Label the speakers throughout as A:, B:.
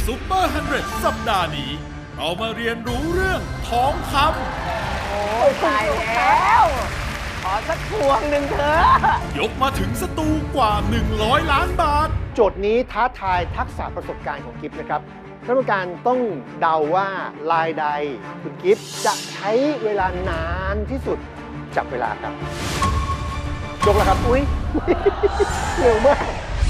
A: ซูเปอร์100สัปดาห์นี้เรามาเรียนรู้เรื่องทองคำ
B: โอ้ตายแล้วขอสักพวงหนึ่งเถอะ
A: ยกมาถึงสตูกว่า100 ล้านบาท
C: โจทย์นี้ท้าทายทักษะประสบการณ์ของกิฟต์นะครับท่านผู้การต้องเดาว่าลายใดคุณกิฟต์จะใช้เวลานานที่สุดจับเวลาครับยกแล้วครับอุ้ยเร็วมาก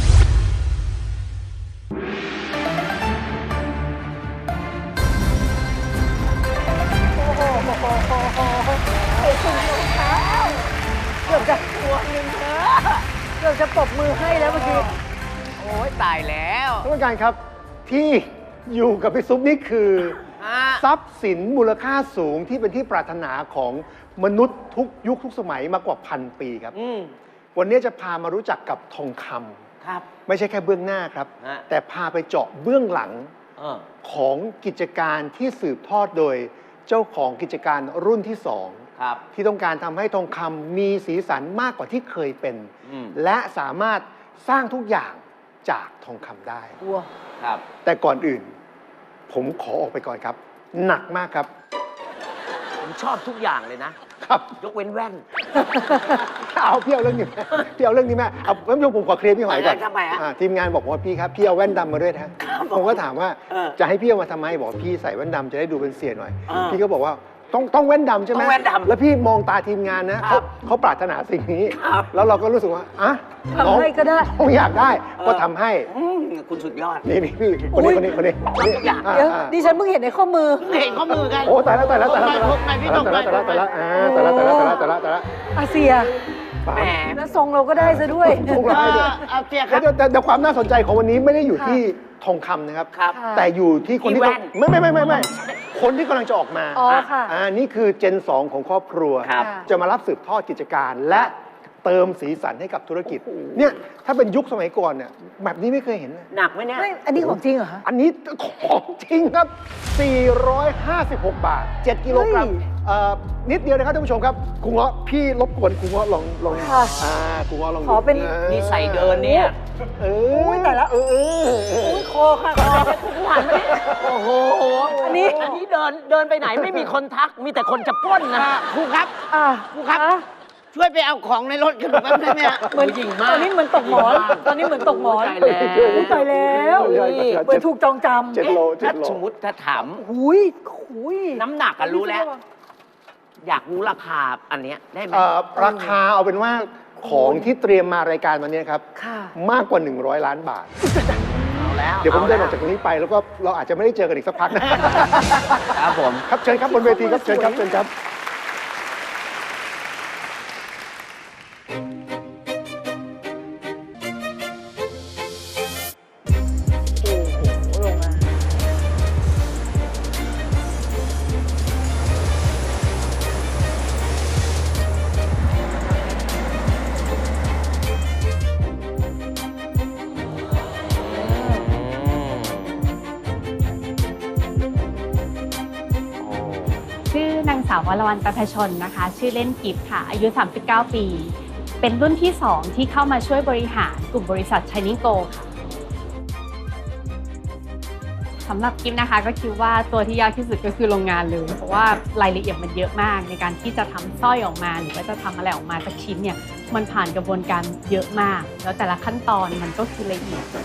B: เกือบจะพวงหนึ่งเถอะเกือบจะปรบมือให้แล้วเมื่อกี้โอ้ยตายแล้ว
C: ท่านผู้การครับที่อยู่กับพี่ซุปนี่คือทรัพย์สินมูลค่าสูงที่เป็นที่ปรารถนาของมนุษย์ทุกยุคทุกสมัยมากว่า1,000 ปีครับวันนี้จะพามารู้จักกับทองคำ
B: ครับ
C: ไม่ใช่แค่เบื้องหน้าครับแต่พาไปเจาะเบื้องหลังของกิจการที่สืบทอดโดยเจ้าของกิจการรุ่นที่2ที่ต้องการทำให้ทองคำมีสีสันมากกว่าที่เคยเป็นและสามารถสร้างทุกอย่างจากทองคำได้
B: ครับ
C: แต่ก่อนอื่นผมขอออกไปก่อนครับหนักมากครับ
B: ผมชอบทุกอย่างเลยนะครับยกเว้นแว่น
C: เอาพี่เอาเรื่องนี้พี่เอาเรื่องนี้แม่เอาท่านผู้ชมผมขอเคลียร์พี่หอยก่อน
B: ทำไม
C: ทีมงานบอกว่าพี่ครับพี่เอาแว่นดำมาด้วยนะผมก็ถามว่าจะให้พี่เอามาทำไมบอกพี่ใส่แว่นดำจะได้ดูเป็นเสียหน่อยพี่ก็บอกว่าต้องแว่นดำใช่ไหม
B: แว่นดำ
C: แล้วพี่มองตาทีมงานนะเขาปรารถนาสิ่งนี้แล้วเราก็รู้สึกว่า
B: ทำให้ก็ได้
C: ต้องอยากได้ก็ทำให้
B: คุณสุดยอด
C: นี่พี่คนนี้เ
B: ดี๋ยวดิฉันเพิ่งเห็นในข้อมือเห็นข้อมือกัน
C: โอ้แต่ละ
B: อาเซียแหมแล้วทรงเราก็ได้ซะด้วย
C: ทรงเราได้ด้วยแต่ความน่าสนใจของวันนี้ไม่ได้อยู่ที่ทองคำนะครับแต่อยู่ที่คนที่ไม่คนที่กำลังจะออกมานี่คือเจน 2 ของครอบครัวจะมารับสืบทอดกิจการและเติมสีสันให้กับธุรกิจเนี่ยถ้าเป็นยุคสมัยก่อนเนี่ยแบบนี้ไม่เคยเห็น
B: หนักไหมเนี่ยอันนี้ของจริงเหรอคะ
C: อันนี้ของจริงครับ456 บาท7 กิโลกรัมนิดเดียวนะครับท่านผู้ชมครับครูเงาะพี่รบกวนครูเงาะลองครูเงาะลอง
B: ขอเป็นนี่ใส่เดินเนี่ยแต่ละคอค่ะคอหันมาโอ้โหอันนี้เดินไปไหนไม่มีคนทักมีแต่คนจะปล้นนะครูครับครูครับช่วยไปเอาของในรถกันแป๊บได้ไหมเหมือนจริงมากตอนนี้เหมือนตกหมอนตอนนี้เหมือนตกหมอนตายแล้วเหมือนถูกจองจำ
C: 7 โล
B: ถ้าสมมติถ้าถามน้ำหนักกันรู้แล้วอยากรู้ราคาอันนี้ได้ไหม
C: ราคาเอาเป็นว่าของที่เตรียมมารายการวันนี้ครับมากกว่า100 ล้านบาทเดี๋ยวผมเดินออกจากตรงนี้ไปแล้วก็เราอาจจะไม่ได้เจอกันอีกสักพัก
B: นะครับผม
C: ครับเชิญครับบนเวทีครับเชิญครับ
D: ชื่อนางสาววรวรรณประภชนนะคะชื่อเล่นกิฟต์ค่ะอายุ39 ปีเป็นรุ่นที่2ที่เข้ามาช่วยบริหารกลุ่มบริษัท Shining Go ค่ะสำหรับกิฟต์นะคะก็คิดว่าตัวที่ยากที่สุดก็คือโรงงานเลยเพราะว่ารายละเอียดมันเยอะมากในการที่จะทำสร้อยออกมาหรือว่าจะทำอะไรออกมาสักชิ้นเนี่ยมันผ่านกระบวนการเยอะมากแล้วแต่ละขั้นตอนมันก็คือละเอียด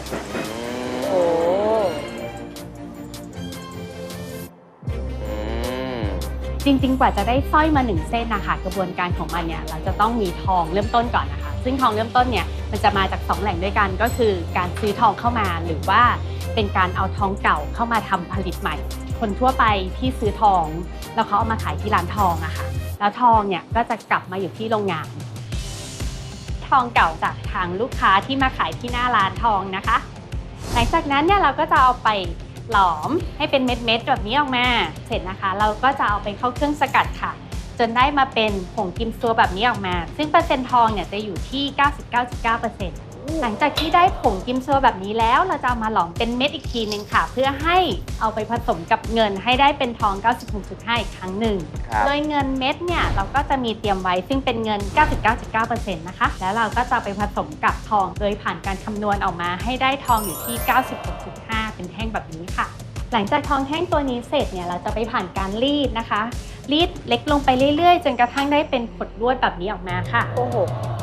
D: จริงๆกว่าจะได้สร้อยมา1 เส้นนะคะกระบวนการของมันเนี่ยเราจะต้องมีทองเริ่มต้นก่อนนะคะซึ่งทองเริ่มต้นเนี่ยมันจะมาจาก2 แหล่งด้วยกันก็คือการซื้อทองเข้ามาหรือว่าเป็นการเอาทองเก่าเข้ามาทำผลิตใหม่คนทั่วไปที่ซื้อทองแล้วเขาเอามาขายที่ร้านทองอะค่ะแล้วทองเนี่ยก็จะกลับมาอยู่ที่โรงงานทองเก่าจากทางลูกค้าที่มาขายที่หน้าร้านทองนะคะหลังจากนั้นเนี่ยเราก็จะเอาไปหลอมให้เป็นเม็ดๆแบบนี้ออกมาเสร็จนะคะเราก็จะเอาไปเข้าเครื่องสกัดค่ะจนได้มาเป็นผงกิมซัวแบบนี้ออกมาซึ่งเปอร์เซ็นต์ทองเนี่ยจะอยู่ที่ 99.9% หลังจากที่ได้ผงกิมซัวแบบนี้แล้วเราจะเอามาหลอมเป็นเม็ดอีกทีนึงค่ะเพื่อให้เอาไปผสมกับเงินให้ได้เป็นทอง 96.5 อีกครั้งหนึ่งโดยเงินเม็ดเนี่ยเราก็จะมีเตรียมไว้ซึ่งเป็นเงิน 99.9% นะคะแล้วเราก็จะไปผสมกับทองโดยผ่านการคำนวณออกมาให้ได้ทองอยู่ที่ 96.5 เป็นแท่งแบบนี้ค่ะ หลังจากทองแท่งตัวนี้เสร็จเนี่ยเราจะไปผ่านการรีดนะคะรีดเล็กลงไปเรื่อยๆจนกระทั่งได้เป็นขดลวดแบบนี้ออกมาค่ะโอ้โห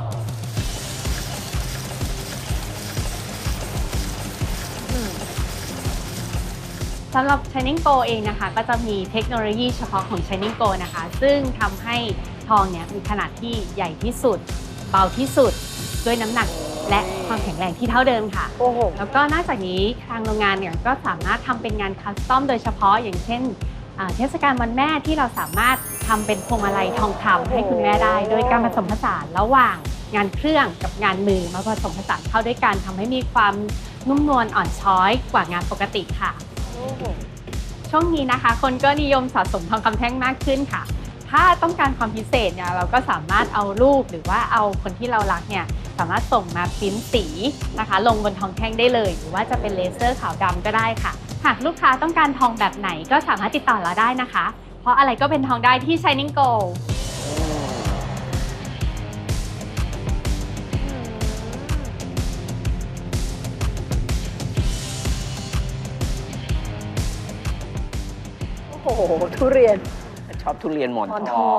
D: สำหรับ Shining Go เองนะคะก็จะมีเทคโนโลยีเฉพาะของ Shining Go นะคะซึ่งทำให้ทองเนี่ยมีขนาดที่ใหญ่ที่สุดเบาที่สุดด้วยน้ำหนักและความแข็งแรงที่เท่าเดิมค่ะโอ้โหแล้วก็นอกจากนี้ทางโรงงานเนี่ยก็สามารถทำเป็นงานคัสตอมโดยเฉพาะอย่างเช่นเทศกาลวันแม่ที่เราสามารถทำเป็นพวงมาลัยทองคำให้คุณแม่ได้โดยการผสมผสานระหว่างงานเครื่องกับงานมือมาผสมผสานเข้าด้วยกันทำให้มีความนุ่มนวลอ่อนช้อยกว่างานปกติค่ะช่วงนี้นะคะคนก็นิยมสะสมทองคำแท่งมากขึ้นค่ะถ้าต้องการความพิเศษเนี่ยเราก็สามารถเอารูปหรือว่าเอาคนที่เรารักเนี่ยสามารถส่งมาพิมพ์สีนะคะลงบนทองแท่งได้เลยหรือว่าจะเป็นเลเซอร์ขาวดำก็ได้ค่ะหากลูกค้าต้องการทองแบบไหนก็สามารถติดต่อเราได้นะคะเพราะอะไรก็เป็นทองได้ที่ Shining Go
E: โอ้โหทุเรียน
B: ชอบทุเรียนหมอนทอง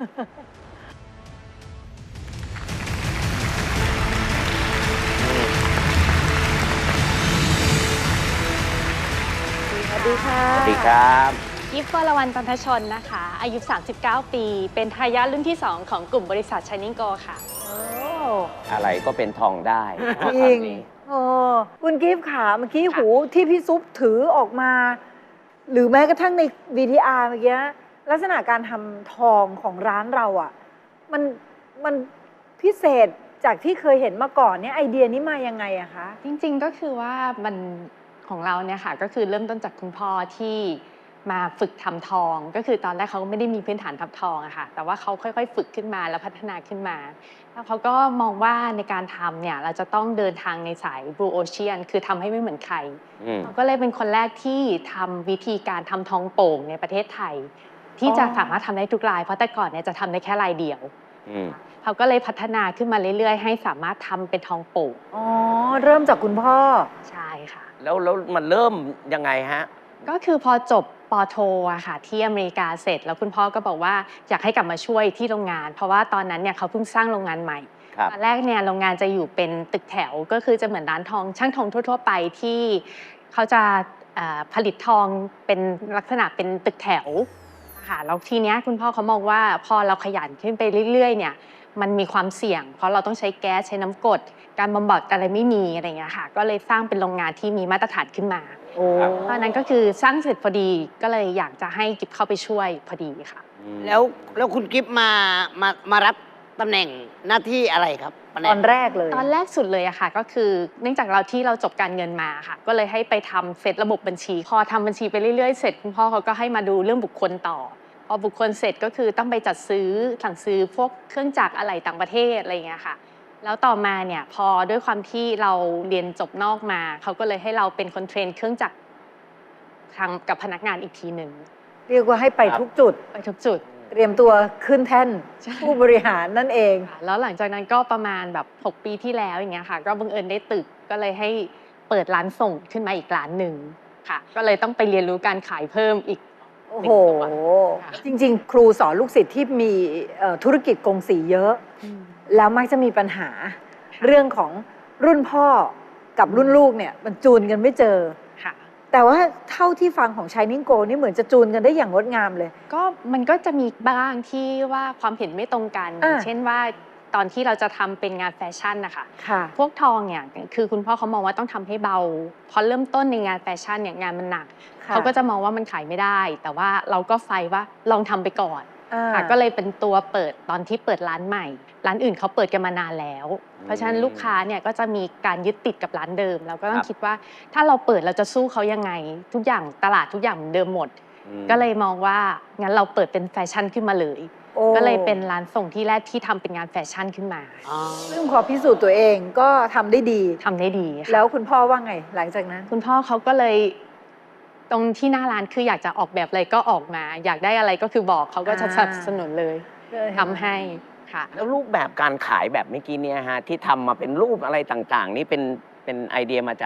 E: สวัสดีค่ะ
B: สวัสดีครับ
D: ยิปวรวรรณ ปันทชนนะคะอายุ 39 ปีเป็นทายาทรุ่นที่ 2 ของกลุ่มบริษัท Shining Go ค่ะ
B: อะไรก็เป็นทองได้
E: จริงคุณกิฟต์ขาเมื่อกี้หูที่พี่ซุปถือออกมา หรือแม้กระทั่งใน VTR เมื่อกี้ลักษณะการทำทองของร้านเราอ่ะมันพิเศษจากที่เคยเห็นมาก่อนเนี่ยไอเดียนี้มายังไงอะคะ
D: จริงๆก็คือว่ามันของเราเนี่ยค่ะก็คือเริ่มต้นจากคุณพ่อที่มาฝึกทำทองก็คือตอนแรกเขาไม่ได้มีพื้นฐานทำทองอะค่ะแต่ว่าเขาค่อยๆฝึกขึ้นมาแล้วพัฒนาขึ้นมาแล้วเขาก็มองว่าในการทำเนี่ยเราจะต้องเดินทางในสาย Blue Ocean คือทำให้ไม่เหมือนใครเขาก็เลยเป็นคนแรกที่ทำวิธีการทำทองโป่งในประเทศไทยที่จะสามารถทำได้ทุกลายเพราะแต่ก่อนเนี่ยจะทำได้แค่ลายเดียวเขาก็เลยพัฒนาขึ้นมาเรื่อยๆให้สามารถทำเป็นทองโป่ง
E: อ๋อเริ่มจากคุณพ่อ
D: ใช่ค่ะ
B: แล้วมันเริ่มยังไงฮะ
D: ก็คือพอจบป.โทอะค่ะที่อเมริกาเสร็จแล้วคุณพ่อก็บอกว่าอยากให้กลับมาช่วยที่โรงงานเพราะว่าตอนนั้นเนี่ยเขาเพิ่งสร้างโรงงานใหม่ตอนแรกเนี่ยโรงงานจะอยู่เป็นตึกแถวก็คือจะเหมือนร้านทองช่างทองทั่วๆไปที่เขาจะผลิตทองเป็นลักษณะเป็นตึกแถวค่ะแล้วทีเนี้ยคุณพ่อเขามองว่าพอเราขยันขึ้นไปเรื่อยๆเนี่ยมันมีความเสี่ยงเพราะเราต้องใช้แก๊สใช้น้ำกรดการบำบัดอะไรไม่มีอะไรเงี้ยค่ะก็เลยสร้างเป็นโรงงานที่มีมาตรฐานขึ้นมาตอนนั้นก็คือสร้างเสร็จพอดีก็เลยอยากจะให้กิฟเข้าไปช่วยพอดีค่ะ
F: แล้วคุณกิฟมารับตำแหน่งหน้าที่อะไรครับ
E: ตอนแรกเลย
D: ตอนแรกสุดเลยอะค่ะก็คือเนื่องจากเราจบการเงินมาค่ะก็เลยให้ไปทำเซตระบบบัญชีพอทำบัญชีไปเรื่อยๆเสร็จคุณพ่อเขาก็ให้มาดูเรื่องบุคคลต่อพอบุคคลเสร็จก็คือต้องไปจัดซื้อสั่งซื้อพวกเครื่องจักรอะไหล่ต่างประเทศอะไรอย่างเงี้ยค่ะแล้วต่อมาเนี่ยพอด้วยความที่เราเรียนจบนอกมาเขาก็เลยให้เราเป็นคนเทรนเครื่องจักรทางกับพนักงานอีกทีหนึ่ง
E: เรียกว่าให้ไปทุกจุดเตรียมตัวขึ้นแท่นผู้บริหารนั่นเอง
D: แล้วหลังจากนั้นก็ประมาณแบบ6 ปีที่แล้วอย่างเงี้ยค่ะก็บังเอิญได้ตึกก็เลยให้เปิดร้านส่งขึ้นมาอีกร้านหนึ่งค่ะก็เลยต้องไปเรียนรู้การขายเพิ่มอีก
E: โอ้โหจริงๆครูสอนลูกศิษย์ที่มีธุรกิจกงสีเยอะแล้วมักจะมีปัญหาเรื่องของรุ่นพ่อกับรุ่นลูกเนี่ยมันจูนกันไม่เจอแต่ว่าเท่าที่ฟังของ Shining Go นี่เหมือนจะจูนกันได้อย่างงดงามเลย
D: ก็มันก็จะมีบ้างที่ว่าความเห็นไม่ตรงกันเช่นว่าตอนที่เราจะทำเป็นงานแฟชั่นนะคะพวกทองเนี่ยคือคุณพ่อเขามองว่าต้องทำให้เบาพอเริ่มต้นในงานแฟชั่นเนี่ยงานมันหนักเขาก็จะมองว่ามันขายไม่ได้แต่ว่าเราก็ไฟว่าลองทำไปก่อนก็เลยเป็นตัวเปิดตอนที่เปิดร้านใหม่ร้านอื่นเขาเปิดกันมานานแล้วเพราะฉะนั้นลูกค้าเนี่ยก็จะมีการยึดติดกับร้านเดิมเราก็ต้องคิดว่าถ้าเราเปิดเราจะสู้เขายังไงทุกอย่างตลาดทุกอย่างเหมือนเดิมหมดก็เลยมองว่างั้นเราเปิดเป็นแฟชั่นขึ้นมาเลยก็เลยเป็นร้านส่งที่แรกที่ทำเป็นงานแฟชั่นขึ้นมา
E: ซึ่งพอพิสูจน์ตัวเองก็ทำได้ดีแล้วคุณพ่อว่าไงหลังจากนั้น
D: คุณพ่อเขาก็เลยตรงที่หน้าร้านคืออยากจะออกแบบอะไรก็ออกมาอยากได้อะไรก็คือบอกเขาก็จะสนับสนุนเลยทำให้ค่ะ
B: แล้วรูปแบบการขายแบบเมื่อกี้เนี่ยฮะที่ทำมาเป็นรูปอะไรต่างๆนี่เป็นไอเดียมาจาก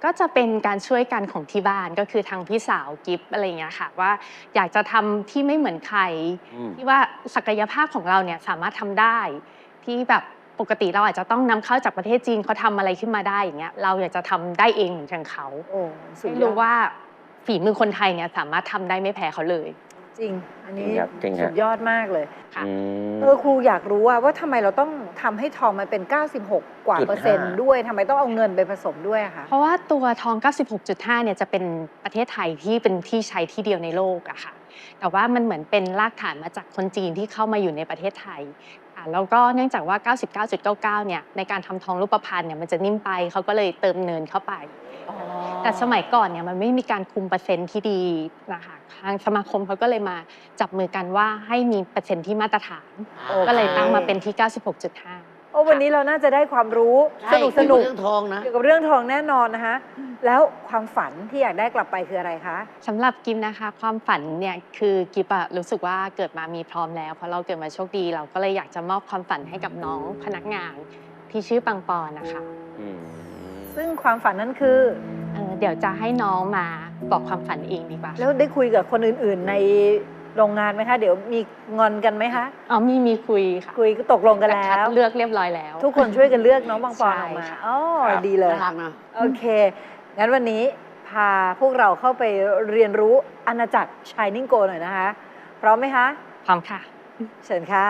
D: ก็จะเป็นการช่วยกันของที่บ้านก็คือทางพี่สาวกิฟอะไรอย่างเงี้ยค่ะว่าอยากจะทำที่ไม่เหมือนใครที่ว่าศักยภาพของเราเนี่ยสามารถทำได้ที่แบบปกติเราอาจจะต้องนำเข้าจากประเทศจีนเขาทำอะไรขึ้นมาได้อย่างเงี้ยเราอยากจะทำได้เองเหมือนกันเขาให้รู้ว่าฝีมือคนไทยเนี่ยสามารถทำได้ไม่แพ้เขาเลย
E: จริงอันนี้
G: จริง
E: สุดยอดมากเลย
D: ค่ะ
E: ครูอยากรู้ว่าทำไมเราต้องทำให้ทองมันเป็น 96 กว่า%ด้วยทำไมต้องเอาเงินไปผสมด้วยอะคะ
D: เพราะว่าตัวทอง 96.5 เนี่ยจะเป็นประเทศไทยที่เป็นที่ใช้ที่เดียวในโลกอะค่ะแต่ว่ามันเหมือนเป็นรากฐานมาจากคนจีนที่เข้ามาอยู่ในประเทศไทยแล้วก็เนื่องจากว่า 99.99 เนี่ยในการทำทองรูปพรรณเนี่ยมันจะนิ่มไปเขาก็เลยเติมเนินเข้าไปแต่สมัยก่อนเนี่ยมันไม่มีการคุมเปอร์เซ็นต์ที่ดีนะคะทางสมาคมเขาก็เลยมาจับมือกันว่าให้มีเปอร์เซ็นต์ที่มาตรฐานก็เลยตั้งมาเป็นที่ 96.5
E: วันนี้เราน่าจะได้ความรู้สนุก
F: เรื่องทองนะ
E: เกี่ยวกับเรื่องทองแน่นอนนะคะแล้วความฝันที่อยากได้กลับไปคืออะไรคะ
D: สำหรับกิฟนะคะความฝันเนี่ยคือกิฟรู้สึกว่าเกิดมามีพร้อมแล้วเพราะเราเกิดมาโชคดีเราก็เลยอยากจะมอบความฝันให้กับน้องพนักงานที่ชื่อปังปอนนะคะ
E: ซึ่งความฝันนั้นคือ
D: เดี๋ยวจะให้น้องมาบอกความฝันเองดีกว่า
E: แล้วได้คุยกับคนอื่นๆในโรงงานไหมคะเดี๋ยวมีงอนกันไหมคะ
D: มีคุยค่ะ
E: คุยก็ตกลงกันแล้ว
D: เลือกเรียบร้อยแล้ว
E: ทุกคนช่วยกันเลือกน้องปังปอนออกมาดีเลย
F: น่ารักนะ
E: โอเคงั้นวันนี้พาพวกเราเข้าไปเรียนรู้อาณาจักร Shining Gold หน่อยนะคะพร้อมไหมคะ
D: พร้อมค่ะ
E: เชิญค่ะ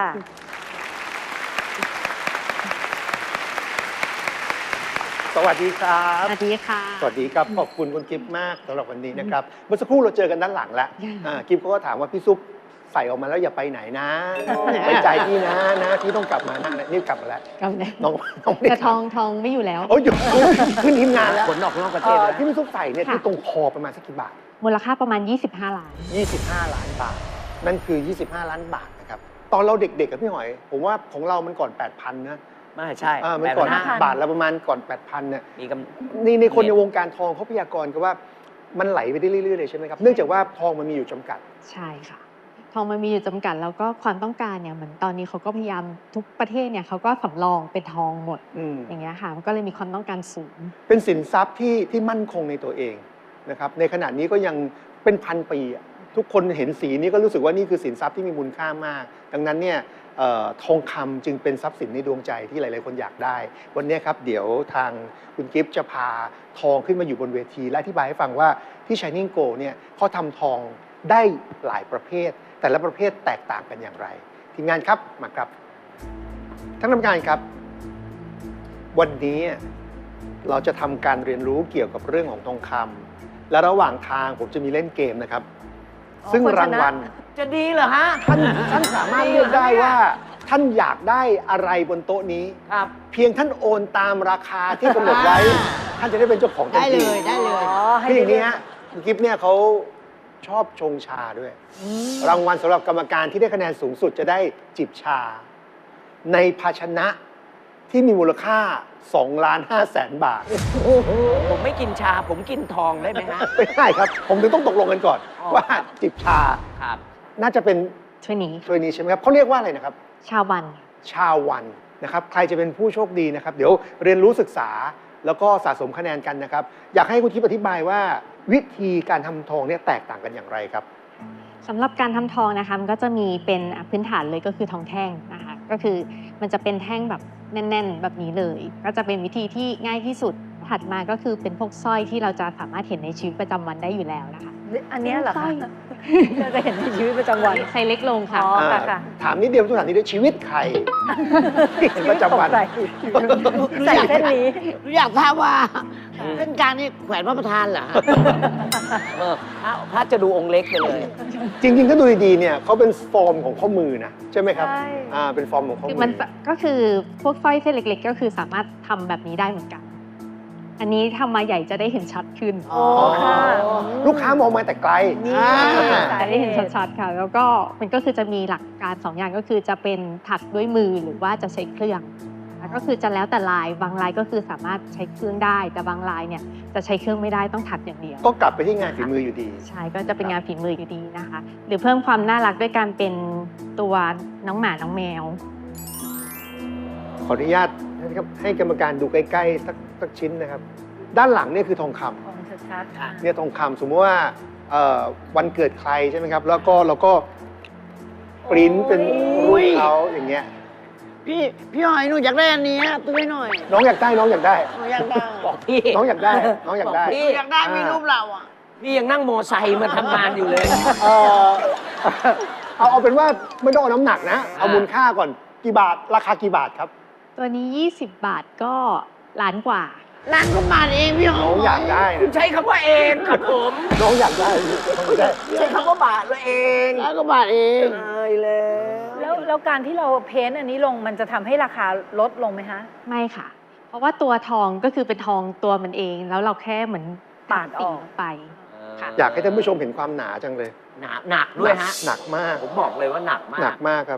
C: สวัสดีครับ
D: สวัสดีค่ะ
C: สวัสดีครับขอบคุณคุณกิฟต์มากสำหรับวันนี้นะครับเมื่อสักครู่เราเจอกันด้านหลังแล้วกิฟต์เขาก็ถามว่าพี่ซุปใส่ออกมาแล้วอย่าไปไหนนะไว้ใจพี่นะพี่ต้องกลับมานะนี่กลับมาแล้วน้อง
D: แต่ทองไม่อยู่แล้ว
C: โอ้ยหยุดขึ้นทีมงานแล้ว
F: ขนออกนอกประเทศ
C: ที่พี่ซุปใส่เนี่ยที่ตรงคอประมาณสักกี่บาท
D: มูลค่าประมาณ25 ล้าน
C: 25 ล้านบาทนั่นคือ25 ล้านบาทนะครับตอนเราเด็กๆกับพี่หอยผมว่าของเรามันก่อน 8,000 นะ
F: ไม่ใช่
C: มันก่อนบาทละประมาณก่อน 8,000 เนี่ยในคนในวงการทองเขาพยากรณ์กันว่ามันไหลไปได้เรื่อยๆเลยใช่ไหมครับเนื่องจากว่าทองมันมีอยู่จำกัด
D: ใช่ค่ะทองมันมีอยู่จำกัดแล้วก็ความต้องการเนี่ยเหมือนตอนนี้เขาก็พยายามทุกประเทศเนี่ยเขาก็สำรองเป็นทองหมดอย่างเงี้ยค่ะมันก็เลยมีความต้องการสูง
C: เป็นสินทรัพย์ที่มั่นคงในตัวเองนะครับในขณะนี้ก็ยังเป็นพันปีทุกคนเห็นสีนี้ก็รู้สึกว่านี่คือสินทรัพย์ที่มีมูลค่ามากดังนั้นเนี่ยทองคำจึงเป็นทรัพย์สินในดวงใจที่หลายๆคนอยากได้วันนี้ครับเดี๋ยวทางคุณกิฟต์จะพาทองขึ้นมาอยู่บนเวทีและอธิบายให้ฟังว่าที่ Shining Gold เนี่ยเขาทำทองได้หลายประเภทแต่ละประเภทแตกต่างกันอย่างไรทีมงานครับมาครับท่านกรรมการครับวันนี้เราจะทำการเรียนรู้เกี่ยวกับเรื่องของทองคำและระหว่างทางผมจะมีเล่นเกมนะครับซึ่งรางวัล
F: จะดีเหรอฮะ
C: ท่านสามารถเลือกได้ว่าท่านอยากได้อะไรบนโต๊ะนี้
F: ครับ
C: เพียงท่านโอนตามราคาที่กำหนดไว้ท่านจะได้เป็นเจ้าของทันที
F: ได้เลย
C: คืออย่างนี้ฮะคุณกิฟต์เนี่ยเขาชอบชงชาด้วยรางวัลสำหรับกรรมการที่ได้คะแนนสูงสุดจะได้จิบชาในภาชนะที่มีมูลค่า2,500,000 บาท
F: ผมไม่กินชาผมกินทองได้ไหมฮะ
C: ไม่ได้ครับผมถึงต้องตกลงกันก่อนว่าจิบชา
F: ครับ
C: น่าจะเป็น
D: ถ้วยนี้
C: ใช่ไหมครับเขาเรียกว่าอะไรนะครับ
D: ชาวัน
C: นะครับใครจะเป็นผู้โชคดีนะครับเดี๋ยวเรียนรู้ศึกษาแล้วก็สะสมคะแนนกันนะครับอยากให้คุณทิพย์อธิบายว่าวิธีการทำทองเนี่ยแตกต่างกันอย่างไรครับ
D: สำหรับการทำทองนะคะมันก็จะมีเป็นพื้นฐานเลยก็คือทองแท่งนะคะก็คือมันจะเป็นแท่งแบบแน่นๆแบบนี้เลยก็จะเป็นวิธีที่ง่ายที่สุดถัดมาก็คือเป็นพวกสร้อยที่เราจะสามารถเห็นในชีวิตประจำวันได้อยู่แล้วนะคะ
E: อันนี้เหรอคะเราจะเห็นในชีวิตประจำวัน
D: ใช้เล็กลงค่ะ
C: ถามนิดเดียวทุกท่านนี้ด้วยชีวิตใครประจำวัน
E: ใส่เส้นนี้
F: อยากทราบว่าเส้นกลางนี่แขวนพระประธานเหรอพระจะดูองค์เล็กไปเลย
C: จริงๆถ้าดูดีๆเนี่ยเขาเป็นฟอร์มของข้อมือนะใช่ไหมครับเป็นฟอร์มของข้อมือ
D: มันก็คือพวกสร้อยเส้นเล็กๆก็คือสามารถทำแบบนี้ได้เหมือนกันอันนี้ทำมาใหญ่จะได้เห็นชัดขึ้น
C: ลูกค้ามองมาแต่ไกล
D: จะได้เห็นชัดๆค่ะแล้วก็มันก็คือจะมีหลักการ2 อย่างก็คือจะเป็นถักด้วยมือหรือว่าจะใช้เครื่องก็คือจะแล้วแต่ลายบางลายก็คือสามารถใช้เครื่องได้แต่บางลายเนี่ยจะใช้เครื่องไม่ได้ต้องถักอย่างเดียว
C: ก็กลับไปที่งานฝีมืออยู่ดี
D: ใช่ก็จะเป็นงานฝีมืออยู่ดีนะคะหรือเพิ่มความน่ารักด้วยการเป็นตัวน้องหมาน้องแมว
C: ขออนุญาตให้กรรมการดูใกล้ๆสักชิ้นนะครับด้านหลังเนี่ยคือทองคำ
E: ทองชัดๆ
C: เนี่ยทองคำสมมติว่าวันเกิดใครใช่ไหมครับ แล้วก็เราก็ปริ้นเป็นรูปเขาอย่างเงี้ย
F: พี่หอยหนูอยากได้อันนี้ซื้อให้หน่อย
C: น้องอยากได้น้องอยากได้
F: หนูอยากได้
B: บอกพี่
C: น้องอยากได้น้องอยากได้
B: บอกพี่
F: อยากได้มีรูปเราอ่ะ
B: พี่ยังนั่งโมไซค์มาทำงานอยู่เลย
C: เอ่อเอาเป็นว่าไม่ต้องเอาน้ำหนักนะ เอามูลค่าก่อนกี่บาทราคากี่บาทครับ
D: ตัวนี้ 20 บาทก็ล้านกว่า
F: ร้านก็มาเองพี่หอย
C: น้องอยากได้
B: คุณ
C: นะ
B: ใช้คำว่าเองครับผม
C: น้องอยากได้น้องอยากได้
B: ใช้คำว่าบาทเลยเอง
F: ร้านก็มาเอง
B: ตายแล้ว
E: แล้วการที่เราเพ้นท์อันนี้ลงมันจะทำให้ราคาลดลงไหมคะ
D: ไม่ค่ะ เพราะว่าตัวทองก็คือเป็นทองตัวมันเอง แล้วเราแค่เหมือน
E: ปาดออก
D: สิ่งไป ค่ะ
C: อยากให้ท่านผู้ชมเห็นความหนาจังเลย
B: หนักด้วยฮะ
C: หนักมาก
B: ผมบอกเลยว่าหนักมา
C: หนั
B: ก
C: กมากครับ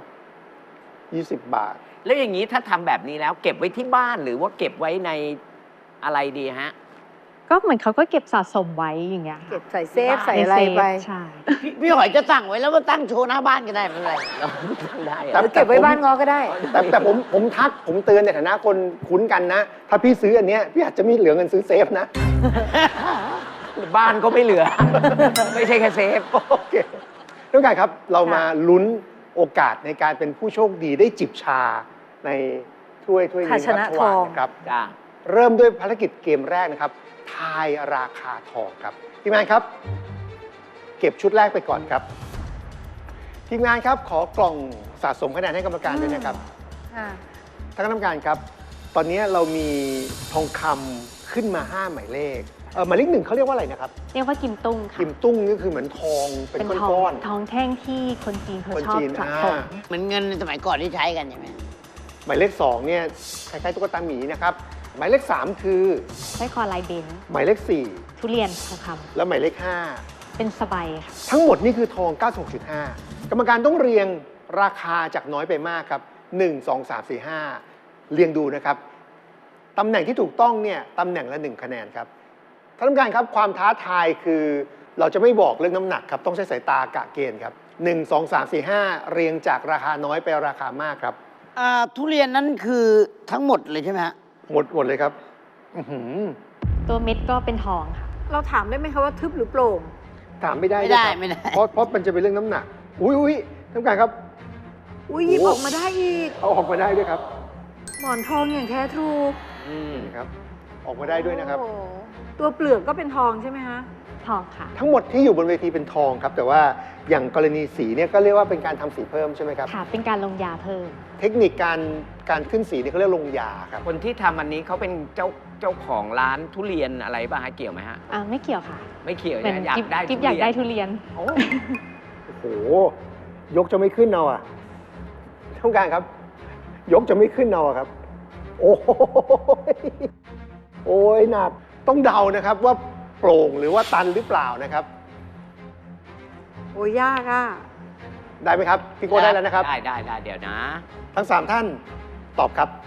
C: 20 บาท
B: แล้วอย่างนี้ถ้าทำแบบนี้แล้วเก็บไว้ที่บ้านหรือว่าเก็บไว้ในอะไรดีฮะ
D: ก็เหมือนเขาก็เก็บสะสมไว้อย่างเงี้ยค่ะ
E: เก็บใส่เซฟใส่อะไรไป
D: ใช่
F: พี่หอยจะสั่งไว้แล้วมาตั้งโชว์หน้าบ้านก็ได้ไม่เป็นไร
B: เราทำได้
C: แต่
B: อะ
E: หรือเก็บไว้บ้านงอก็ได้
C: แต่ผมทักผมเตือนในฐานะคนคุ้นกันนะ ถ้าพี่ซื้ออันเนี้ยพี่อาจจะไม่เหลือเงินซื้อเซฟนะ
B: บ้านก็ไม่เหลือ ไม่ใช่แค่เซฟ
C: โอเคทุกท่านครับเรามาลุ้นโอกาสในการเป็นผู้โชคดีได้จิบชาในถ้วยนี้
E: ภาชนะ
C: ครับ
E: ทอง
C: นะครับ
B: จ้า
C: เริ่มด้วยภารกิจเกมแรกนะครับ ทายราคาทองครับทีมงานครับ เก็บชุดแรกไปก่อนครับทีมงานครับขอกล่องสะสมคะแนนให้กรรมการด้วยนะครับ
E: ค่ะ
C: ท่านคณะกรรมการครับ ตอนนี้เรามีทองคำขึ้นมา 5 หมายเลขหมายเลขหนึ่งเขาเรียกว่าอะไรนะครับ
D: เรียกว่ากิมตุ้งค่ะ
C: กิมตุ้งนี่คือเหมือนทองเป็น
D: เป็นทอ
C: ก้อง น
D: ทองแท่งที่คนจีนเขา
C: คน
D: ชอบ
C: จีน
D: สะ
C: อ่า
D: สม
F: เหมือนเงินในสมัยก่อนที่ใช้กันใช่ไหม
C: ๆหมายเลข2เนี่ยคล้ายๆตุ๊กตาหมีนะครับหมายเลข3คือ
D: ใช้คอลายเบน
C: หมายเลข
D: ทุเรียนทองค
C: 4แล้วหมายเลข
D: ำเป็นสบายค่ะ
C: 5ทั้งหมดนี่คือทอง 96.5 กรรมการต้องเรียงราคาจากน้อยไปมากครับ 1 2 3 4 5 เรียงดูนะครับตำแหน่งที่ถูกต้องเนี่ยตำแหน่งละ 1 คะแนนครับท่านผู้การครับความท้าทายคือเราจะไม่บอกเรื่องน้ำหนักครับต้องใช้สายตากะเกณฑ์ครับ1 2 3 4 5 เรียงจากราคาน้อยไปราคามากครับ
F: ทุเรียนนั้นคือทั้งหมดเลยใช่ไหมฮะ
C: หมดเลยครับอื้อหือ
D: ตัวเม็ดก็เป็นทองค่ะ
E: เราถามได้ไหมคะว่าทึบหรือโปร่ง
C: ถามไม่ได้
F: ไม่ได้
C: ด้วยครับ
F: ไม่ได้
C: เพราะมันจะเป็นเรื่องน้ำหนักอุ้ยท่านผู้การครับ
E: อุ้ยหยิบออกมาได้อีก
C: เอาออกมาได้ด้วยครับ
E: หมอนทองอย่างแท้ทรู
C: นี่ครับออกมาได้ด้วยนะครับ
E: โอ้โหตัวเปลือกก็เป็นทองใช่ไหมคะ
D: ทองค่ะ
C: ทั้งหมดที่อยู่บนเวทีเป็นทองครับ แต่ว่าอย่างกรณีสีเนี่ยก็เรียกว่าเป็นการทำสีเพิ่มใช่ไหมครับ
D: ค่ะ เป็นการลงยาเพิ่ม
C: เทคนิคการขึ้นสีเนี่ยเขาเรียกลงยาครับ
B: คนที่ทำอันนี้เขาเป็นเจ้าของร้านทุเรียนอะไรป่ะฮะเกี่ยวไหมฮะ
D: ไม่เกี่ยวค่ะ
B: ไม่เกี่ยว
D: เหมือน
B: นะอยากได้
D: กิ๊บอยากได้ทุเรียน
C: โอ้โหยกจะไม่ขึ้นเอาอ่ะต้องการครับ ยกจะไม่ขึ้นเอาอะครับ โอ้ยโอ้ยหนักต้องเดานะครับว่าโปร่งหรือว่าตันหรือเปล่านะครับ
E: โอ้ยยากอ่ะ
C: ได้ไหมครับพี่โก้ได้แล้วนะครับ
B: ได้เดี๋ยวนะ
C: ทั้ง 3 ท่านตอบครับ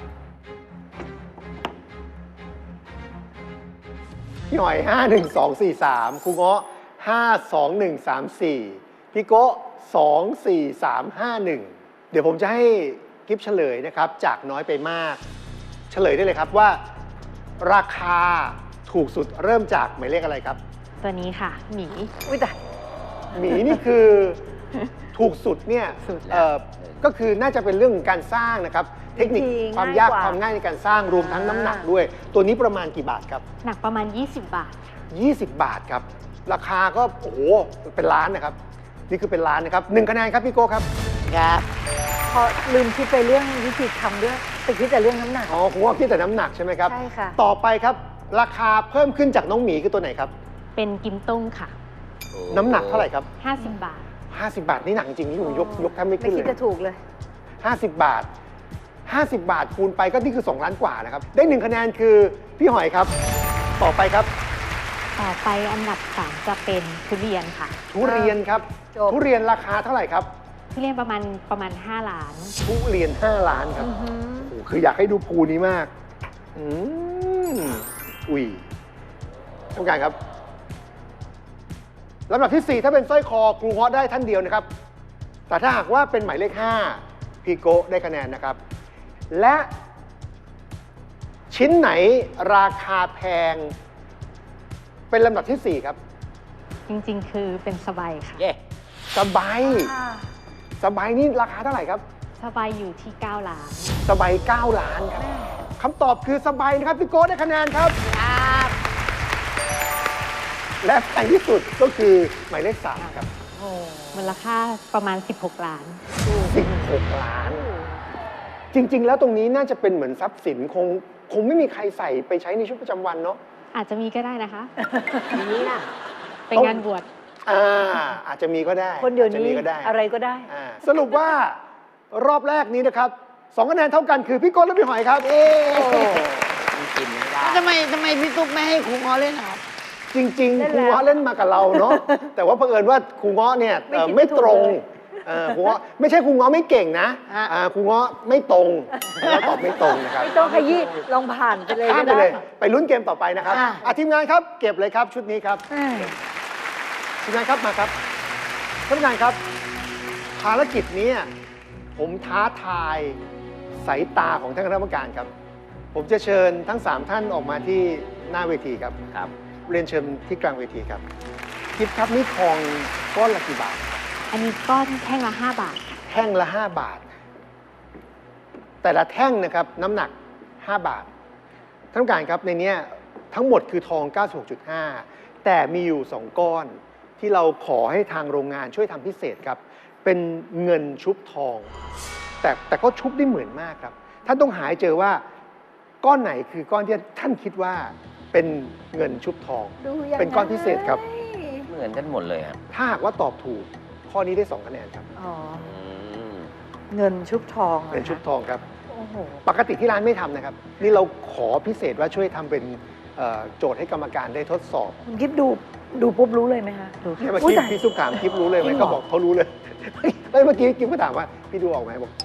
C: พี่หอย 5 1 2 4 3ครูเงาะ5 2 1 3 4พี่โก้2 4 3 5 1 เดี๋ยวผมจะให้กิฟเฉลยนะครับ จากน้อยไปมาก เฉลยได้เลยครับว่า ราคาถูกสุดเริ่มจากหมายเลขอะไรครับ
D: ตัวนี้ค่ะ หมี
E: อุ้ยแต่
C: หมีนี่คือถูกสุดเนี่ย
D: สุดแล้ว
C: ก็คือน่าจะเป็นเรื่องของการสร้างนะครับ เทคนิคความยากความง่ายในการสร้างรวมทั้งน้ำหนักด้วย ตัวนี้ประมาณกี่บาทครับ
D: หนักประมาณ 20 บาท
C: 20 บาทครับ ราคาก็โอ้โหเป็นล้านนะครับ นี่คือเป็นล้านนะครับ1คะแนนครับพี่โก้ครับ
F: ครับ
E: พอลืมคิดไปเรื่องวิธีทำด้วยไปคิดแต่เรื่องน้ำหนัก
C: อ๋อผมว่าคิดแต่น้ำหนักใช่ไหมครับ
E: ใช่ค่ะ
C: ต่อไปครับ ราคาเพิ่มขึ้นจากน้องหมีคือตัวไหนครับ
D: เป็นกิมตุ้งค่ะ
C: น้ำหนักเท่าไหร่ครับ
D: 50 บาท
C: 50 บาทนี่หนักจริงนี่ผมยกแทบไม่
E: ไม่
C: ขึ้น
E: คิด
C: เลย
E: จะถูกเลย
C: 50 บาท 50 บาทคูณไปก็นี่คือ2 ล้านกว่านะครับ ได้1คะแนนคือพี่หอยครับ ต่อไปครับ
D: ต่อไปอันดับ 3 จะเป็นทุเรียนค่ะ
C: ทุเรียนครับ
E: จบ
C: ทุเรียนราคาเท่าไหร่ครับ
D: ทุเรียนประมาณ 5 ล้าน
C: ทุเรียน 5 ล้านครับ โอ้โหคืออยากให้ดูภูนี้มาก อืมอุ้ยต้องการครับลำดับที่ 4 ถ้าเป็นสร้อยคอครูเงาะได้ท่านเดียวนะครับ แต่ถ้าหากว่าเป็นหมายเลข 5 พี่โกะได้คะแนนนะครับ และชิ้นไหนราคาแพงเป็นลำดับที่ 4 ครับ
D: จริงๆ คือเป็นสบายค่ะ
F: เย่
C: สบายสบายนี่ราคาเท่าไหร่ครับ
D: สบายอยู่ที่ 9 ล้าน
C: สบาย9 ล้านครับคำตอบคือสบายนะครับพี่โก้ได้คะแนนครับ และแพงที่สุดก็คือหมายเลข3ครับ
D: มูลค่าประมาณ 16 ล้าน
C: 16 ล้าน จริง ๆ แล้วตรงนี้น่าจะเป็นเหมือนทรัพย์สินคงไม่มีใครใส่ไปใช้ในชีวิตประจำวันเนาะ
D: อาจจะมีก็ได้นะคะ
F: นี้นะ
D: เป็นงานบวช
C: อาจจะมีก็ได้
E: คนเดี๋ยวนี้
C: อาจจะมีก็ได้
E: อะไรก็ได้
C: สรุปว่ารอบแรกนี้นะครับ2 คะแนนเท่ากันคือพี่โก้และพี่หอยครับ
F: กินไม่ได้
B: ทำไมพี่ตุ๊กไม่ให้ครูงอเล่นนะครับ
C: จริง
E: ได้
C: ๆ ครู
E: แล้ว
C: เงาะเล่นมากับเราเนาะ แต่ว่าเผอิญว่าครูเงาะเนี่ย
E: ไม่คิด
C: ไม่
E: ไม่ถูก
C: ตรง
E: เลย
C: ครูเงาะไม่ใช่ครูเงาะไม่เก่งนะ
B: ฮะ
C: ครูเงาะไม่ตรงแล้วตอบไม่ตรงนะครับ
E: ไม่ต้องขยี้ลองผ่านไปเลย
C: ข้าม
E: ก็
C: ไป
E: ได้
C: เลยไปลุ้นเกมต่อไปนะครับ ทีมงานครับเก็บเลยครับชุดนี้ครับ
E: อ่า
C: ทีมงานครับมาครับท่านผู้การครับ ภารกิจนี้ผมท้าทายสายตาของท่านคณะกรรมการครับ ผมจะเชิญทั้ง 3 ท่านออกมาที่หน้าเวทีครับ
F: ครับ
C: เรียนเชิญที่กลางเวทีครับกิฟครับนี่ทองก้อนละกี่บาท
D: อันนี้ก้อนแท่งละ 5 บาทค่ะ
C: แท่งละ 5 บาท แต่ละแท่งนะครับน้ำหนัก 5 บาทท่านผู้การครับในเนี้ยทั้งหมดคือทอง 96.5 แต่มีอยู่ 2 ก้อนที่เราขอให้ทางโรงงานช่วยทำพิเศษครับ เป็นเงินชุบทอง แต่ก็ชุบได้เหมือนมากครับ ท่านต้องหาให้เจอว่าก้อนไหนคือก้อนที่ท่านคิดว่าเป็นเงินชุบทอง
E: ดูยังไง
C: เป็นก้อนพิเศษครับ
F: เหมือนกันหมดเลยครับ
C: ถ้าหากว่าตอบถูกข้อนี้ได้ 2 คะแนนครับ
E: อ๋อ
F: อืม
E: เงินชุบทองหรอ
C: เป็นชุบ
E: คะ
C: ทองครับ
E: โอ้โห
C: ปกติที่ร้านไม่ทำนะครับ นี่เราขอพิเศษว่าช่วยทำเป็นโจทย์ให้กรรมการได้ทดสอบ
E: คุณกิ๊บดูปุ๊บรู้เลยไหมคะดู
C: เนี่ยเมื่อ
E: อุ๊ย
C: กี้
E: ตาย
C: พี่ซุปถามกิฟรู้เลยไหม
E: จริงเหรอ
C: ก็บอกเขารู้เลย เฮ้ยเมื่อกี้กิฟก็ถามว่าพี่ดูออกไหมบอก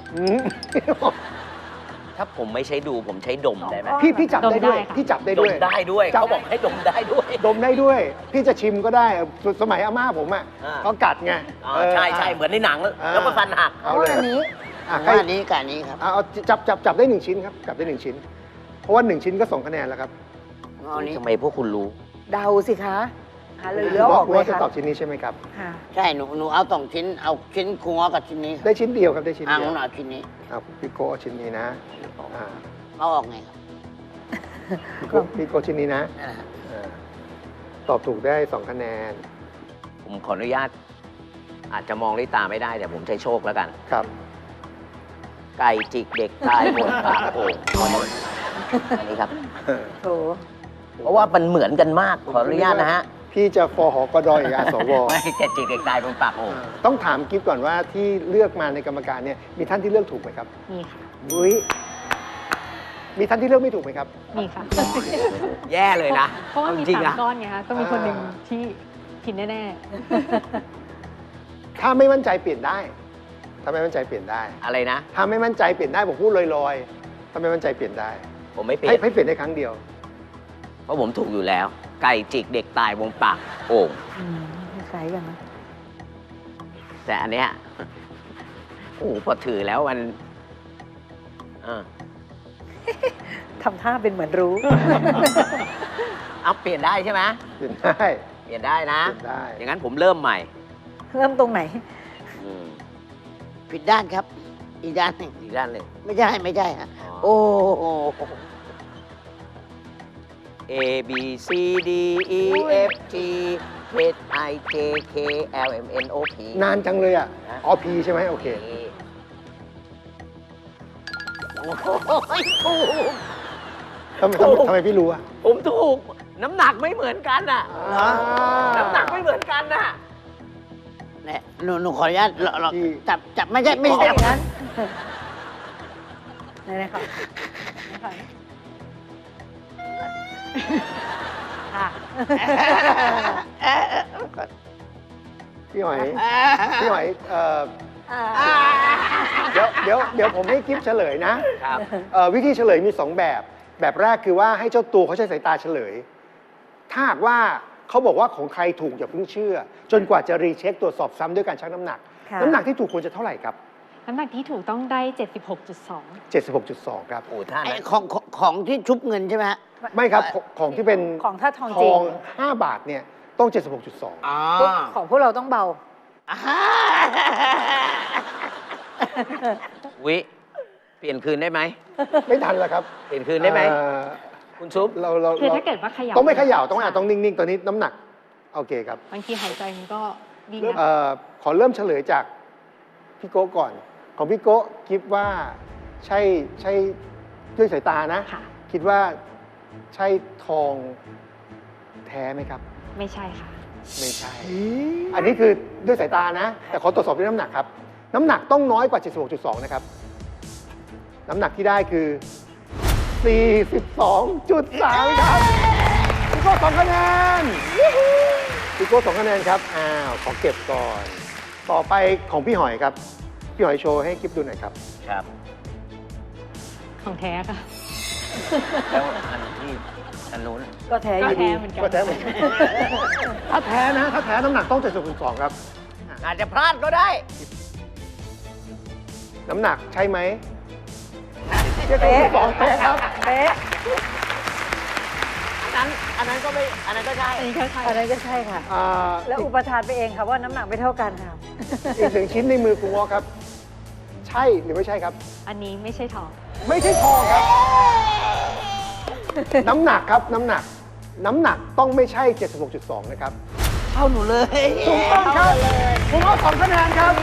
F: ถ้าผมไม่ใช้ดูผมใช้ดมได้ไหม
C: พี่จับได้ด้วย
D: ดมได้ค่ะ
C: พี่จับได้
F: ด
C: ด้
F: ม
C: วย
F: ได้ด้วย
C: จับ
F: เขาบอกให้ดมได้ด้วย
C: ดมได้ด้วย พี่จะชิมก็ได้สมัยอาม่าผมอ่ะ
F: อ่า
C: เขากัดไง
F: อ๋อใช่ใช่เหมือนในหนัง แล้วก็ฟันหัก
C: เอาเลย
E: อันนี้
C: ใคร
B: ว่าอันนี้กับอันนี้ครับ
C: เอาจับได้1 ชิ้นครับจับได้1 ชิ้น เพราะว่า1 ชิ้นก็2 คะแนนแล้วครับ
B: เอาอันนี้
F: ทำไมพวกคุณรู้
E: เดาสิคะหาเลยเหลือออก
C: คุณ
E: เล
C: ว่าย จะ
E: ค่ะ
C: ตอบชิ้นนี้ใช่ไหมครับ
E: ค่ะ
B: ใช่หนูเอา2 ชิ้น เอาชิ้นครูงอกับชิ้นนี้ครับ
C: ได้ชิ้นเดียวครับได้ชิ้น
B: อ่า
C: เดียว
B: หนูเอาชิ้นนี้
C: เอาพี่โก้เอาชิ้นนี้นะอ่า
B: เอาออกไงครับ
C: พี่โก้ชิ้นนี้นะ
B: นั่นแหละครับ
C: อ่าตอบถูกได้ 2 คะแนน
F: ผมขออนุญาต อาจจะมองด้วยตาไม่ได้แต่ผมใช้โชคแล้วกัน
C: ครับ
F: ไก่จิกเด็กตายหมดปากโอ่งอันนี้ครับ
E: โถ
F: เพราะว่ามันเหมือนกันมากขออนุญาตนะฮะ
C: พี่จะฟอหอกดอยอาสว
F: ไม่ไก่จิกเด็กตายบนปากโอ่ง
C: ต้องถามกิฟก่อนว่าที่เลือกมาในกรรมการเนี่ยมีท่านที่เลือกถูกไหมครับ
D: มีค่ะ
C: อุ้ยมีท่านที่เลือกไม่ถูกไหมครับ
D: มีค่ะ
F: แย่เลยนะ
D: เพราะว่ามี
F: จริงๆ
D: 3
F: นะ
D: ก้อนไงคะ ก็มีคนหนึ่งที่ผิดแน่
C: ถ้าไม่มั่นใจเปลี่ยนได้ ถ้าไม่มั่นใจเปลี่ยนได้
F: อะไรนะ
C: ถ้าไม่มั่นใจเปลี่ยนได้ผมพูดลอยๆ ถ้าไม่มั่นใจเปลี่ยนได้
F: ผมไม่เปลี่ย
C: ให้
F: น
C: ให้เปลี่ยนได้ครั้งเดียว
F: เพราะผมถูกอยู่แล้ว ไก่จิกเด็กตายบนปากโอ่ง
E: คล้ายกันนะ
F: แต่อันเนี้ยโอ้โหพอถือแล้วมันอ่า
E: ทำท่าเป็นเหมือนรู้
F: เอาเปลี่ยนได้ใช่ไหม
C: เปลี่ยนได้
F: เปลี่ยนได้นะ
C: เปลี่ยนได้
F: อย่างนั้นผมเริ่มใหม่
E: เริ่มตรงไหน
F: อืม
B: ผิดด้านครับ อีกด้านหนึ่ง
F: อีกด้านหนึ่ง
B: ไม่ใช่ฮะ
F: อ๋อ
B: โอ้โห
F: A B C D E F G H I J K L M N O P
C: นานจังเลยอ่ะ
F: นะ
C: อ๋อพีใช่ไหมโอเค
F: โอ้โหถูก
C: ทำไมพี่รู้อ่ะ
F: ผมถูก น้ำหนักไม่เหมือนกันอ่ะ
C: อ่า
F: น้ำหนักไม่เหมือนกันน่ะ
B: เนี่ยหนูขออนุญาตเรา
C: ที่
B: จับไม่ใช่ไม่
E: ไม่
B: ใช่
E: ใช่อย่างนั้นไหนๆค่ะค่ะ
C: พี่หอยพี่หอยเดี๋ยวผมให้กิฟเฉลยนะครับ วิธีเฉลยมี 2 แบบ แบบแรกคือว่าให้เจ้าตัวเขาใช้สายตาเฉลย ถ้าหากว่าเขาบอกว่าของใครถูกอย่าเพิ่งเชื่อ จนกว่าจะรีเช็คตรวจสอบซ้ำด้วยการชั่งน้ำหนัก
E: ค่ะ
C: น้ำหนักที่ถูกควรจะเท่าไหร่ครับ
D: น้ำหนักที่ถูกต้องได้ 76.2
C: 76.2 ครับ
B: โอ้ท่าน
F: ไอ้ของที่ชุบเงินใช่ไหมฮะ
C: ไม่ครับของที่เป็น
E: ของถ้าทอง
C: ท
E: จริ
C: อง ง 5 บาทเนี่ยต้อง 76.2
F: อ๋อ
E: ของพวกเราต้องเบา
B: วิเปลี่ยนคืนได้ไหม
C: ไม่ทันแล้วครับ
B: เปลี่ยนคืนได้ไหม
C: เอ่อ
B: คุณซุป
C: เรา
D: คือถ้าเกิดว่าเขย่า
C: ต้องไม่เขย่าต้องนิ่งๆ ตอนนี้น้ำหนัก โอเคครับ
D: บางทีหายใจมันก็วิ่งนะ
C: ขอเริ่มเฉลยจากพี่โก้ก่อน ของพี่โก้คิดว่าใช่ด้วยสายตานะ
D: ค่ะ
C: คิดว่าใช่ทองแท้ไหมครับ
D: ไม่ใช่ค่ะ
C: ไม่ใช่ อันนี้คือด้วยสายตานะ แต่ขอตรวจสอบด้วยน้ำหนักครับ น้ำหนักต้องน้อยกว่า 76.2 นะครับ น้ำหนักที่ได้คือ 42.3 ครับพี่โก้2 คะแนนพี่โก้2 คะแนนครับ ขอเก็บก่อน ต่อไปของพี่หอยครับ พี่หอยโชว์ให้กิ๊บดูหน่อยครับ
B: ครับ
D: ของแท้ค่ะ
B: แล้วอันที่อันนู้น
E: ก็แท้อ
D: ก็
E: ยู่
D: แท้
E: ดี
D: เหมือนกัน
C: ก็แท้เหมือนกัน ถ้าแท้นะ ถ้าแท้น้ำหนักต้อง 76.2 ครับ
B: อาจจะพลาดก็ได้
C: น้ำหนักใช่ไหม
E: เป๊ะ
C: 72แท้ครับ
E: เป๊ะ
B: อันนั้นก็ไม่ อันนั้นก็ใช่
D: อันนี้ก็ใช่
E: อันนั้นก็ใช่ค่ะ แล้วอุปทานไปเองค่ะว่าน้ำหนักไม่เท่ากันค่ะ
C: อีกหนึ่งชิ้นในมือคุณวอครับ ใช่หรือไม่ใช่ครับ
D: อันนี้ไม่ใช่ทอง
C: ไม่ใช่ทองครับ น้ำหนักครับน้ำหนัก น้ำหนักต้องไม่ใช่ 76.2 นะครับ
F: เข้าหนูเลย
C: ถูกต้องครับคุณวอ2 คะแนนครับ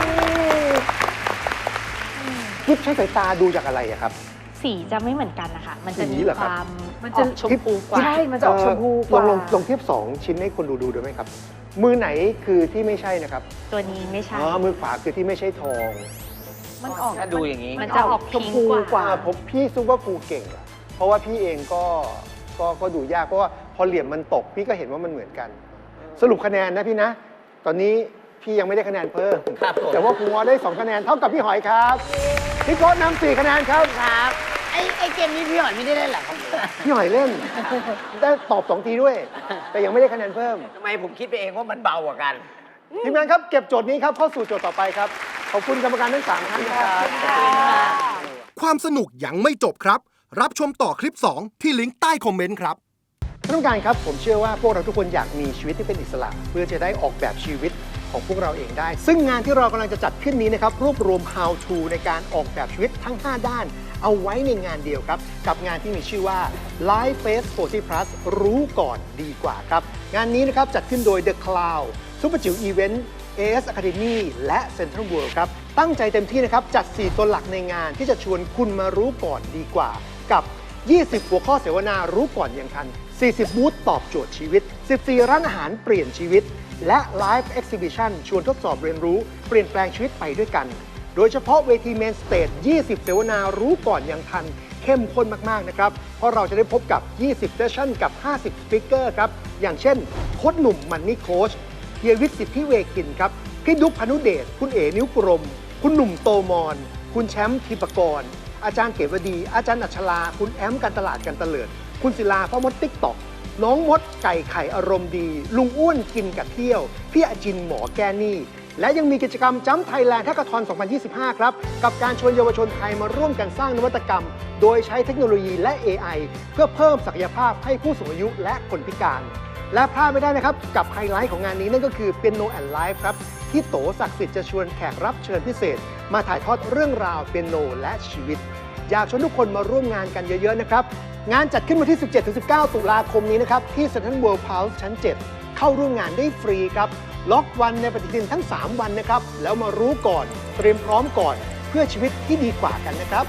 C: กิ๊บใช้สายตาดูจากอะไรอะครับ
D: สีจะไม่เหมือนกันนะคะ มันจะ
C: สี
D: มี
C: เหรอ
D: ค
C: ครับ
D: วาม
E: มันจะ
D: ออกชมพูกว่า
E: ใช่ มันจะออกชมพูกว่า
C: ลองเทียบ 2 ชิ้นให้คนดูด้วยไหมครับ มือไหนคือที่ไม่ใช่นะครับ
D: ตัวนี้ไม่ใช่
C: มือขวาคือที่ไม่ใช่ทอง
E: มันออก
B: ถ้าดูอย่างนี้
D: มันจะออก
E: ช
D: พิ
E: ม
D: ง
E: พู
D: ก
E: ก
D: ว่า
E: ว่า
C: ผมพี่ซุปว่าครูเก่งอะเพราะว่าพี่เองก็ดูยากเพราะว่าพอเหลี่ยมมันตก พี่ก็เห็นว่ามันเหมือนกัน สรุปคะแนนนะพี่นะ ตอนนี้พี่ยังไม่ได้คะแนนเพิ่ม
B: ครับผม
C: แต่ว่าครูวอได้ 2 คะแนนเท่ากับพี่หอยครับพี่โก้นำ4 คะแนนครับ
F: ครับ ไอ้เกมนี้พี่หอยไม่ได้เล่นเหรอครับ
C: พี่หอยเล่น ได้ตอบ 2 ทีด้วย แต่ยังไม่ได้คะแนนเพิ่ม
B: ทำไมผมคิดไปเองว่ามันเบากว่ากัน
C: ทีมงานครับเก็บโจทย์นี้ครับเข้าสู่โจทย์ต่อไปครับขอบคุณกรรมการทั้ง3ท่านนะครับ
G: ความสนุกยังไม่จบครับ รับชมต่อคลิป 2 ที่ลิงก์ใต้คอมเมนต์ครับ
C: ท่านผู้การครับผมเชื่อว่าพวกเราทุกคนอยากมีชีวิตที่เป็นอิสระ เพื่อจะได้ออกแบบชีวิตของพวกเราเองได้ ซึ่งงานที่เรากำลังจะจัดขึ้นนี้นะครับรวบรวม how to ในการออกแบบชีวิตทั้ง 5 ด้าน เอาไว้ในงานเดียวครับ กับงานที่มีชื่อว่า Life Face 40 Plus รู้ก่อนดีกว่าครับ งานนี้นะครับจัดขึ้นโดย The Cloud ซุปเปอร์จิ๋วอีเวนต์ AS Academy และ Central World ครับตั้งใจเต็มที่นะครับจัด 4 ตัวหลักในงานที่จะชวนคุณมารู้ก่อนดีกว่ากับ 20 หัวข้อเสวนารู้ก่อนอย่างทัน 40 บูธตอบโจทย์ชีวิต 14 ร้านอาหารเปลี่ยนชีวิต และ Live Exhibition ชวนทดสอบเรียนรู้เปลี่ยนแปลงชีวิตไปด้วยกัน โดยเฉพาะเวที Main Stage 20 เสวนารู้ก่อนอย่างทัน เข้มข้นมาก ๆ นะครับ เพราะเราจะได้พบกับ 20 เซสชั่นกับ 50 สปีกเกอร์ครับ อย่างเช่น โค้ชหนุ่มมันนี่โค้ชเฮียวิทย์สิทธิเวกินครับ พี่ดุ๊กพานุเดช คุณเอ๋นิ้วกรม คุณหนุ่มโตมอน คุณแชมป์ทิปกร อาจารย์เกวดี อาจารย์อัชลา คุณแอมการตลาดกันเตลิด คุณศิลาพ่อมดติ๊กตอก น้องมดไก่ไข่อารมณ์ดี ลุงอ้วนกินกับเที่ยว พี่อาจินหมอแก้หนี้ และยังมีกิจกรรมจัมป์ไทยแลนด์แฮกเกอร์ทอน 2025 ครับ กับการชวนเยาวชนไทยมาร่วมกันสร้างนวัตกรรม โดยใช้เทคโนโลยีและ AI เพื่อเพิ่มศักยภาพให้ผู้สูงอายุและคนพิการ และพลาดไม่ได้นะครับ กับไฮไลท์ของงานนี้นั่นก็คือ Piano and Live ครับ ที่โตศักดิ์สิทธิ์จะชวนแขกรับเชิญพิเศษ มาถ่ายทอดเรื่องราวเปียโนและชีวิต อยากชวนทุกคนมาร่วมงานกันเยอะ ๆ นะครับ งานจัดขึ้นวันที่ 17-19 ตุลาคมนี้นะครับ ที่ Central World House ชั้น 7 เข้าร่วมงานได้ฟรีครับ ล็อกวันในปฏิทินทั้ง 3 วันนะครับ แล้วมารู้ก่อน เตรียมพร้อมก่อน เพื่อชีวิตที่ดีกว่ากันนะครับ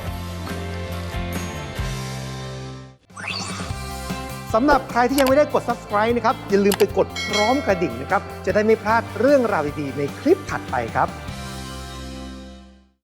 C: สำหรับใครที่ยังไม่ได้กด subscribe นะครับ อย่าลืมไปกดพร้อมกระดิ่งนะครับ จะได้ไม่พลาดเรื่องราวดีๆในคลิปถัดไปครับ